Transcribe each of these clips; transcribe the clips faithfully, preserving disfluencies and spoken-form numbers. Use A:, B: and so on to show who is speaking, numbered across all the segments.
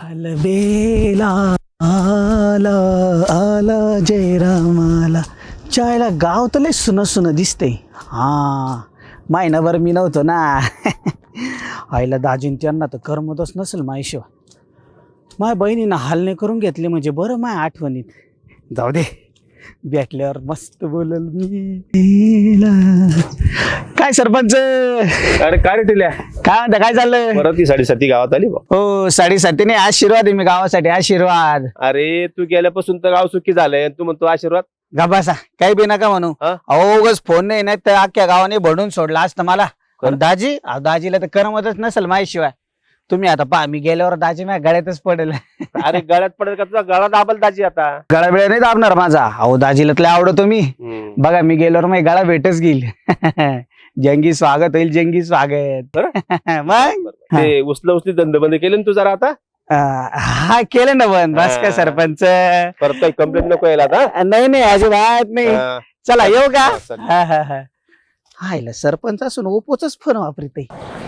A: अलबेला आला आला जय रामाला. चायला गाव तर लय सुन सुन दिसते. हां महिनाभर मी नव्हतो ना. आईला दाजीन त्यांना तर करमतच नसेल माझ्याशिवाय. माझ्या बहिणीनं हालणे करून घेतले म्हणजे बरं माझ्या आठवणीत. जाऊ दे भेटल्यावर मस्त बोलल मी. काय सरपंच
B: अरे काय रे टिल्या,
A: काय म्हणता, काय चाललंय?
B: परत ती साडेसाती गावात आली बा.
A: हो साडेसाती नाही, आशीर्वाद आहे मी गावासाठी, आशीर्वाद.
B: अरे तू गेल्यापासून तर गाव सुखी झालंय, तू म्हणतो आशीर्वाद.
A: गबासा काही बी नका म्हणू.
B: हा?
A: अहो उगाच फोन नाही नाही तर अख्ख्या गावाने भडून सोडला असतं मला. पण दाजी अहो, दाजीला तर करमतच नसेल माझ्याशिवाय. तुम्ही आता पहा मी गेल्यावर दाजी माझ्या गळ्यातच पडेल.
B: अरे गळ्यात पडेल का तुझा गळा दाबल दाजी आता.
A: गळा बिळा नाही दाबणार माझा. अहो दाजीला तर आवडतो मी.
B: हम्म.
A: बघा मी गेल्यावर माझी गळा भेटच घेईल. जंगी स्वागत होईल, जंगी स्वागत. मग
B: ते उचल उचली धंदे बंद केले ना तू जरा आता.
A: अं, हा केलं ना बंद. बस का सरपंच.
B: परत काही कंप्लेंट नको यायला आता.
A: नाही नाही अजिबात नाही.
B: हा.
A: चला येऊ का?
B: हा, चल.
A: हा हा हा हायला सरपंच असून ओपोच फोन वापरते.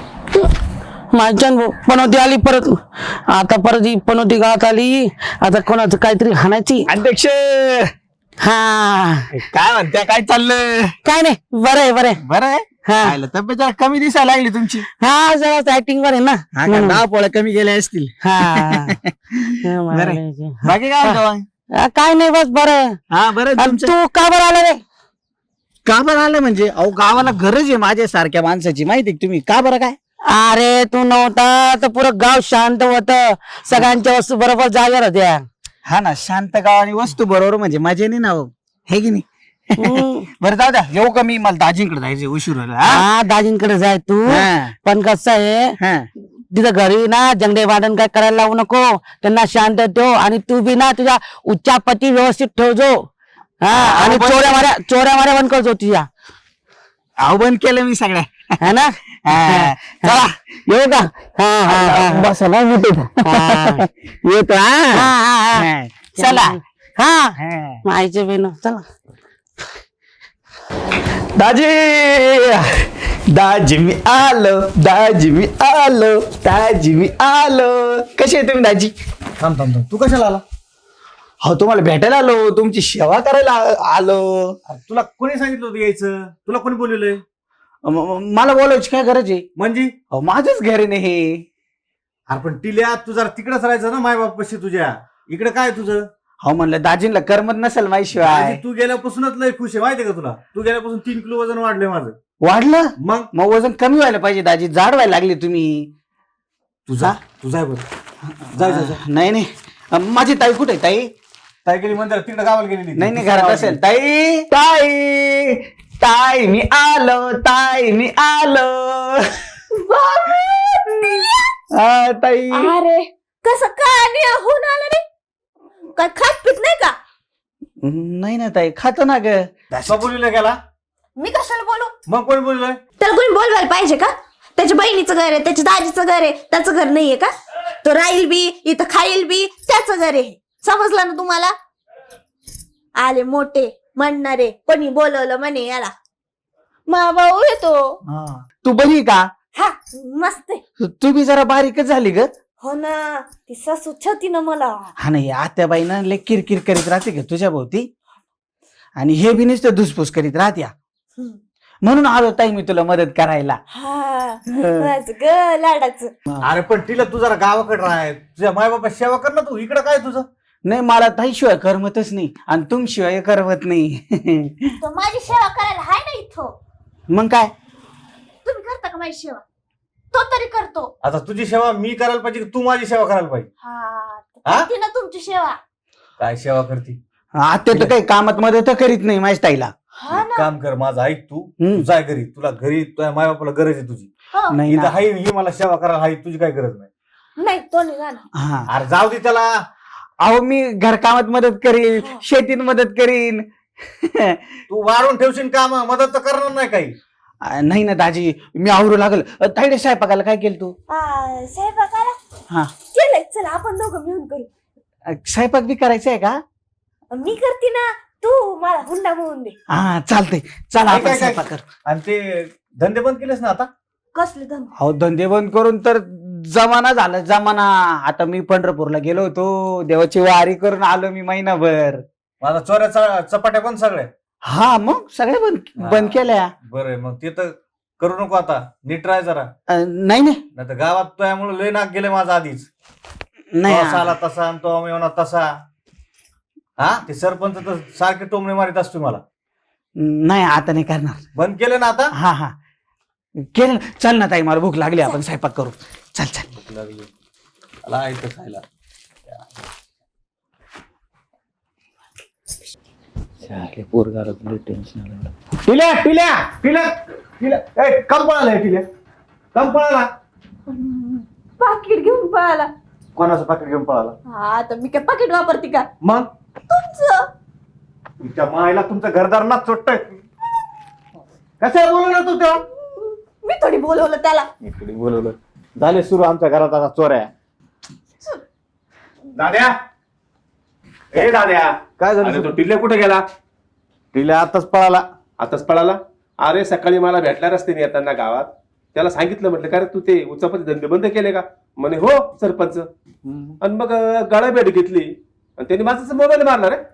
C: माझ्यान पनोती आली परत. आता परत ही पनोती गावात आली. आता कोणाचं काहीतरी हाणायची.
A: अध्यक्ष
C: हा
A: काय म्हणते, काय चाललं?
C: काय नाही, बरं आहे बरं आहे.
A: बरं आहे.
C: हा
A: हायला तब्येत जरा कमी दिसायला लागली तुमची.
C: हा जरा ऍक्टिंग वर आहे ना.
A: हा का, दहा पोळ्या कमी गेल्या असतील.
C: हा
A: बरं आहे. बाकी काय म्हणतो?
C: हा, काय नाही बस बरं आहे.
A: हा बरं आहे
C: आणि
A: तुमचं.
C: तू का बरं आला रे?
A: का बरं आलं म्हणजे? अहो गावाला गरज आहे माझ्या सारख्या माणसाची, माहिती आहे तुम्ही. का बरं काय?
C: अरे तू नव्हता तर पुरं गाव शांत होत. सगळ्यांच्या वस्तू बरोबर जागेवर होत्या.
A: हा ना, शांत गाव आणि वस्तू बरोबर म्हणजे मजा नाही ना हो, हे की नाही?
C: हम्म.
A: बरं जाऊ द्या, येऊ का मी? मला दाजींकडे जायचं, उशीर व्हायला. हा?
C: हा दाजींकडे जाय तू.
A: हा.
C: पण कसं आहे,
A: हा.
C: तिथं घरी ना जंगडे वादन काय करायला लावू नको. त्यांना शांत ठेव आणि तू बी ना तुझ्या उच्चापती व्यवस्थित ठेवजो. हा आणि
A: बरं.
C: चोऱ्या माऱ्या चोऱ्या माऱ्या बंद करतो तुझ्या.
A: अहो बंद केलं मी सगळ्या.
C: है ना?
A: हा.
C: चला येऊ का? हा हा हा
A: बसा ना मोठे.
C: हा.
A: येतो.
C: हा,
A: हा.
C: हा, हा.
A: हा.
C: चला हा
A: हा.
C: मायचे बेन चला.
A: दाजी दाजी मी आलो, दाजी मी आलो, दाजी मी आलो. कसे आहे तुम्ही दाजी?
D: थांब थांब थांब तू कशाला आला?
A: हो तुम्हाला भेटायला आलो, तुमची सेवा करायला आ- आलो.
D: अरे, तुला कोणी सांगितलं होतं यायचं? तुला कोणी बोलवलंय?
A: म- म- मला बोलायची काय गरज आहे?
D: म्हणजे
A: अहो माझंच घर आहे ना हे.
D: अरे पण टिल्या तू जरा तिकडेच राहायचं ना माय बापाशी तुझ्या. इकडे काय तुझं?
A: हो म्हणलं दाजींना करमत नसेल माझ्याशिवाय.
D: आजी, तू गेल्यापासूनच लय खुश आहे माहितीये का तुला? तू गेल्यापासून तीन किलो वजन वाढलंय माझं.
A: वाढलं?
D: मग
A: मग वजन कमी व्हायला पाहिजे दाजी, जाड व्हायला लागली तुम्ही.
D: तुझा
A: हा?
D: तुझा आहे बरं. जाय जाय जाय.
A: नाही नाही अं, माझी ताई कुठे आहे ताई?
D: काय गेली मंदिरात तिकडे गावाला गेलेली.
A: नाही नाही घरात असेल. ताई ताई ताई मी आलो, ताई मी आलो. हा, ताई.
E: अरे कसं काय होऊन आलं रे? काय खात पित नाही का?
A: नाही ना ताई, खातो ना ग.
D: का बोलवलं गेला?
E: मी कशाला बोलू?
D: मग कोणी बोलवलंय?
E: त्याला कोणी बोलवायला पाहिजे का? त्याच्या बहिणीचं घर आहे, त्याच्या दाजीचं घर आहे, त्याचं घर नाहीये का? तो राहील बी इथं, खाईल बी, त्याचं घर आहे. समजलं ना तुम्हाला? आले मोठे म्हणणारे, कोणी बोलवलं म्हणे याला. मा भाऊ येतो.
A: हा. तू बरी आहे का?
E: हा मस्त आहे.
A: तू बी जरा बारीकच झाली ग.
E: हो ना, ती सासू छती ना मला.
A: हा नाही आत्याबाईनं लय किरकिर करीत राहते का तुझ्या भोवती, आणि हे बी नुसतं धुसफूस करीत राहत्या.
E: हम्म.
A: म्हणून आलो ताई मी तुला मदत करायला.
E: हा माझं ग लाडाचं.
D: अरे पण टिल्या तू जरा गावाकडे राहाय, तुझ्या माय बापा सेवा कर ना तू. इकडे काय तुझं?
A: नाही मला ताईशिवाय करमतच नाही, आणि तुमशिवाय करमत नाही.
E: तो माझी सेवा करायला हाय ना इथं.
A: मग काय?
E: तुम्ही करता का माझी सेवा? तो तरी करतो.
D: आता तुझी सेवा मी करायला पाहिजे की तू माझी सेवा करायला पाहिजे?
E: हा
D: हा?
E: करते ना तुमची सेवा.
D: काय सेवा करते?
A: आत्या तर काही कामात मदत करीत नाही माझ्या ताईला.
E: हा
D: एक
E: ना.
D: काम कर माझं, ऐक तू.
A: हम्म.
D: तू जाय घरी, तुला घरी तुझ्या माय बापाला गरज आहे तुझी.
E: हो.
A: नाही
D: इथं
A: ना.
D: हाय ही मला सेवा करायला हाय, तुझी काय गरज नाही.
E: नाही तो नाही जाणार.
A: हा.
D: अरे जाऊ दे त्याला.
A: अहो मी घरकामात मदत करीन, शेतीत मदत करीन.
D: तू वाढून ठेवशील काम, मदत तर करणार नाही काही.
A: नाही ना दाजी, मी आवरू लागल. ताईडे स्वयंपाकाला काय केलं तू?
E: आ, स्वयंपाकाला
A: हा.
E: केलंय. चला आपण दोघं मिळून करू.
A: स्वयंपाक बी करायचा आहे का?
E: मी करते ना, तू मला हुंडा म्हणून दे.
A: हा चालतंय. चला
D: काय-
A: आपण
D: काय- काय?
A: स्वयंपाक कर.
D: आणि ते धंदे बंद केलेस ना आता?
E: कसले धन?
A: अहो धंदे बंद करून तर जमाना झाला जमाना. आता मी पंढरपूरला गेलो होतो, देवाची वारी करून आलो मी महिनाभर.
D: माझा चोऱ्या चपाट्या पण सगळ्या.
A: हा मग सगळे बंद
D: हा.
A: बंद केल्या.
D: बरं मग ते तर करू नको आता, नीट राह जरा.
A: अं, नाही नाही
D: नाही तर गावात त्यामुळे लय नाक गेले माझा आधीच.
A: नाही
D: तो आला तसा आणि तो मेवना तसा. हा ते सरपंच तर सारखे टोमणे मारित असतो मला.
A: नाही आता नाही करणार.
D: बंद केले ना आता.
A: हा हा केलं ना. चल ना ताई, मला भूक लागली, आपण स्वयंपाक करू. चल चल.
D: मला ऐकत खायला. टिल्या टिल्या टिल्या टिल्या ए कम पळाला टिल्या, कम पळाला.
E: पाकिट घेऊन पळाला.
D: कोणाचं पाकिट घेऊन पळाला?
E: हा तर मी काय पाकिट वापरते का?
D: मग
E: तुमचं.
D: तुमच्या मायला तुमचं घरदार ना चोट्ट. कसं बोलवलं तू तेव्हा?
E: मी थोडी बोलवलं त्याला.
D: इकडे बोलवलं. झाले सुरू आमच्या घरात आता चोऱ्या. दाद्या ए दाद्या,
B: काय झालं तो टिल्ल्या कुठे गेला?
D: टिल्या आताच पळाला.
B: आताच पळाला? अरे सकाळी मला भेटला रस्त्याने येताना गावात. त्याला सांगितलं, म्हटलं का रे तू ते उचापती धंदे बंद केले का? म्हणे हो सरपंच. आणि मग गाळा भेट घेतली आणि त्यांनी माझा मोबाईल मारला रे.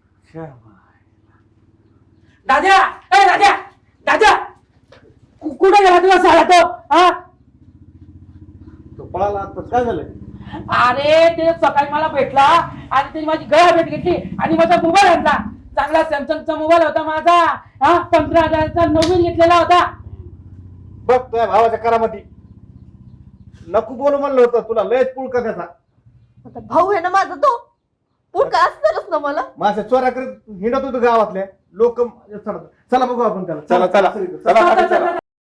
C: दाद्या ए दाद्या दाद्या कु- कुठे गेला तुला साला तो? हा
D: तो पळाला आताच. काय झालं?
C: अरे ते सकाळी मला भेटला आणि त्याने माझी गळा भेट घेतली आणि माझा मोबाईल आणला. चांगला सॅमसंगचा मोबाईल होता माझा. हा पंधरा हजाराचा नवीन घेतलेला होता.
D: बघ तुझ्या भावाच्या करामती. नको बोलू म्हणलं होतं तुला, लयच पुळका त्याचा.
E: आता भाऊ आहे ना माझा तो. पुढका असणारच ना मला.
D: माझ्या चोऱ्या करत हिंडत होतो गावातल्या लोक. चला बघू आपण त्याला.
B: चला चला
D: चला
B: चला
C: चला, चला.